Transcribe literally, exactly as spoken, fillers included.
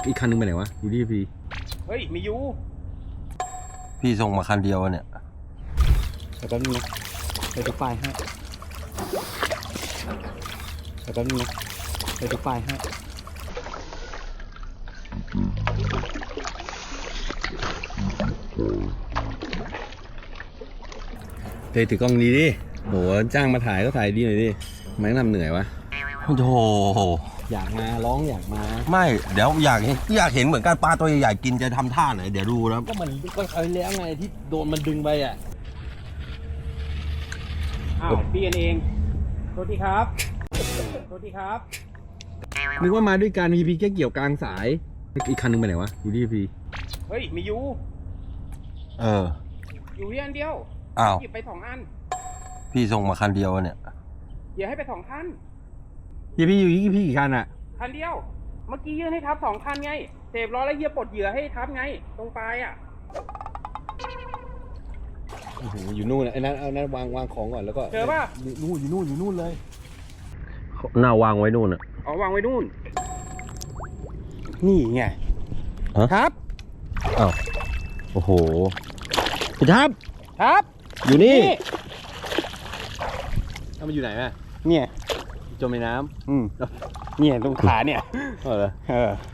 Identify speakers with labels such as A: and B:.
A: อีกคันนึงไปไหนวะอยู่ที่พี่
B: เฮ้ยมียู
C: พี่ส่งมาคันเดียวเนี่ย
B: แต่แป๊บนึงนะไปดูป้ายให้แต่แป๊บนึงนะไปดูป้ายให้
A: เฮ้ยถือกล้องดีดิโหจ้างมาถ่ายก็ถ่ายดีหน่อยดิไม่ต้องทำเหนื่อยวะ
C: โอ้โห
A: อยากมาร้องอยากมา
C: ไม่เดี๋ยวอยากเห็นอยากเห็นเหมือนกันปลาตัวใหญ่ๆกินจะทำท่าไหนเดี๋ยวดูนะ
A: ก็มันก็เคยแล้วไงที่โดนมันดึงไปอ่ะ
B: อ้าวพี่เองโทษทีครับโทษทีครับ
A: นึกว่ามาด้วยกันพีพีแค่เกี่ยวกลางสายอีกคันนึงไปไหนวะอยู่ที่พี
B: เฮ้ยมียู
C: เออ
B: อยู่ที่อันเดียว
C: อ้าว
B: หยิบไปสองอัน
C: พี่ส่งมาคันเดียวเนี่ย
B: เดี๋ยวให้ไปสองคัน
A: พี่พี่อยู่ที่พี่กี่คันอ่ะ
B: คันเดียวเมื่อกี้ยื่นให้ทับสองคันไงเสพล้อแล้วเฮียปลดเหยื่อให้ทับไงตรงปลายอ่ะ
A: โอ้โหอยู่นู่นไอ้นั้นเอานั้นวางวางของก่อนแล้วก็
B: เจอป่ะ
A: นู่นอยู่นู่นอยู่นู่นเลย
C: หน้าวางไว้นู่นอ่ะ
B: อ๋อวางไว้นู่นนี่ไงครับ
C: อ้าวโอ้โหพี่ทับ
B: ครับ
C: อยู่นี่
A: ถ้ามันอยู่ไหนแม่
B: เนี่ย
A: จมในน้ำ
B: อืมเนี่ยตรงขาเนี่ย
A: เออ
B: เออ